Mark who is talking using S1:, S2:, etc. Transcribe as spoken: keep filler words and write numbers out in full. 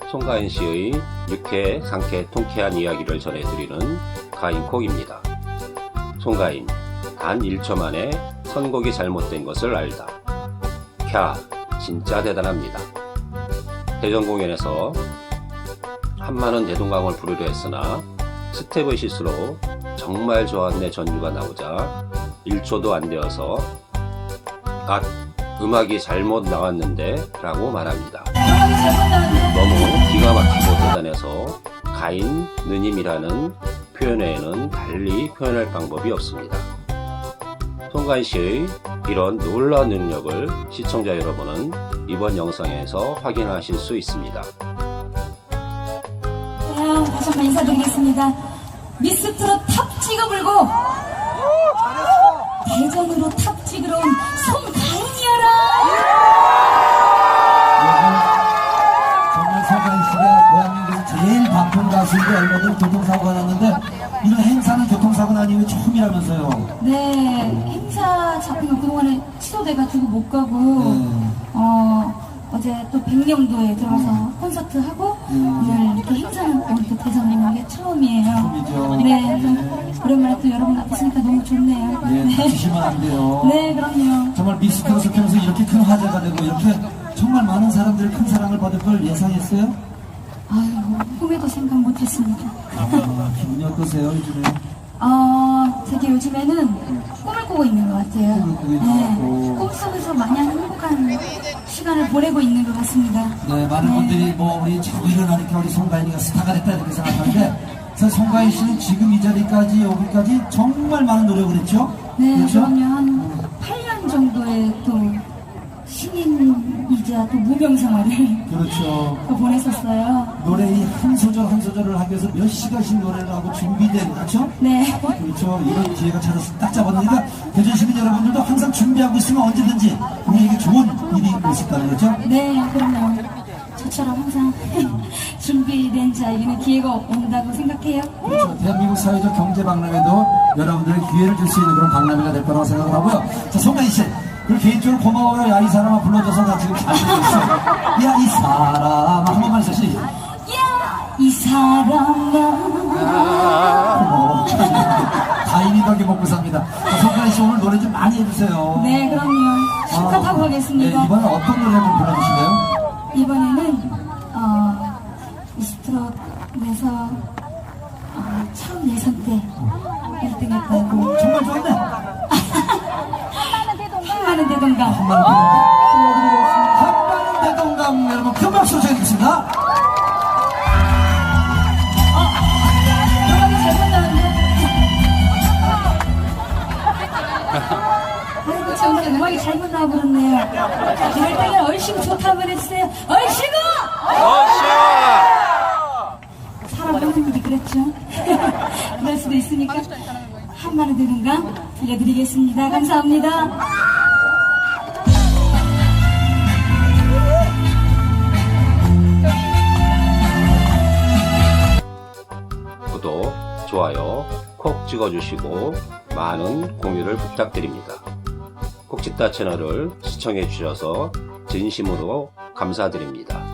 S1: 송가인 씨의 유쾌, 상쾌, 통쾌한 이야기를 전해드리는 가인콕입니다. 송가인, 단 일 초 만에 선곡이 잘못된 것을 알다. 캬, 진짜 대단합니다. 대전 공연에서 한마는 대동강을 부르려 했으나 스텝의 실수로 정말 좋았네 전주가 나오자 일 초도 안 되어서 아, 음악이 잘못 나왔는데 라고 말합니다. 너무 기가 막히고 대단해서 가인, 느님이라는 표현 외에는 달리 표현할 방법이 없습니다. 송가인 씨의 이런 놀라운 능력을 시청자 여러분은 이번 영상에서 확인하실 수 있습니다.
S2: 자, 다시 한번 인사드리겠습니다. 미스트롯 탑 찍어 불고 대전으로 탑 찍으러 온 송가인이여라.
S3: 정말 송가인 씨가 대한민국에서 제일 바쁜 가수인데 얼마 전 교통사고가 났는데 이런 행사는 교통사고 난 이후에 처음이라면서요.
S2: 네, 행사 잡힌 거 그동안에 취소돼가지고 못 가고
S3: 네.
S2: 어, 어제 또 백령도에 들어가서 콘서트 하고
S3: 음.
S2: 오늘 이렇게 행사는 오늘 또 대전에 오는 게 처음이에요.
S3: 처음이죠.
S2: 네, 좀 오랜만에 또 여러분 앞에 있으니까 너무 좋네요.
S3: 예, 다치시면 안 돼요.
S2: 네, 그럼요.
S3: 정말 미스터스 통해서 이렇게 큰 화제가 되고 이렇게 정말 많은 사람들이 큰 사랑을 받을 걸 예상했어요?
S2: 아유, 꿈에도 생각 못했습니다.
S3: 아, 기분이 어떠세요 요즘에?
S2: 어, 되게 요즘에는 꿈을 꾸고 있는 것 같아요.
S3: 꿈을 꾸고 있는
S2: 네,
S3: 것 같고.
S2: 꿈속에서 마냥 행복한 시간을 보내고 있는 것 같습니다.
S3: 네, 많은
S2: 네.
S3: 분들이 뭐 우리 자꾸 일어나니까 우리 송가인이가 스타가 됐다 이렇게 생각하는데 사실 송가인 씨는 지금 이 자리까지 오기까지 정말 많은 노력을 했죠?
S2: 네,
S3: 그렇죠?
S2: 그럼요. 한 팔 년 정도의 또 신인이자 또 무명 생활을
S3: 그렇죠.
S2: 또 보냈었어요.
S3: 노래 이 한 소절 한 소절을 하기 위해서 몇 시간씩 노래를 하고 준비된, 그렇죠?
S2: 네.
S3: 그렇죠. 이런 기회가 찾아서 딱 잡았으니까 대전 시민 여러분들도 항상 준비하고 있으면 언제든지 우리에게 좋은 일이 있을까요, 그렇죠?
S2: 네, 그럼요. 저처럼 항상 준비된 자에게는 기회가 온다고 생각해요.
S3: 그렇죠. 대한민국 사회적 경제 박람회도 여러분들의 기회를 줄 수 있는 그런 박람회가 될 거라고 생각을 하고요. 자, 송가인 씨. 그리고 개인적으로 고마워요. 야, 이 사람아 불러줘서 나 지금 잘 듣고 있어. 야, 이 사람아. 한 번만 해서 시작.
S2: 야, 이 사람아.
S3: 고마워. 가인이 덕에 먹고 삽니다. 자, 송가인 씨 오늘 노래 좀 많이 해주세요.
S2: 네, 그럼요. 실컷 하고 가겠습니다.
S3: 네, 이번엔 어떤 노래 한번 불러주실래요?
S2: 이번에는 어, 미스트롯에서 어, 처음 예선 때 일 등 했다고
S3: 정말 좋았네.
S2: 한마는 대동강
S3: 한마는 대동강. 한마는 대동강 여러분 큰 박수 쳐주겠습니다.
S2: 음악이 잘못 나왔네. 아이고 참 오늘 음악이 잘못 나와버렸네요. 이럴 때는 얼씨구 좋다 한번 해주세요. 얼씨구! 사람 하는 일이 그랬죠. 그럴 수도 있으니까 한마는 대동강 들려드리겠습니다. 감사합니다.
S1: 구독, 좋아요 콕 찍어주시고 많은 공유를 부탁드립니다. 콕찍다 채널을 시청해 주셔서 진심으로 감사드립니다.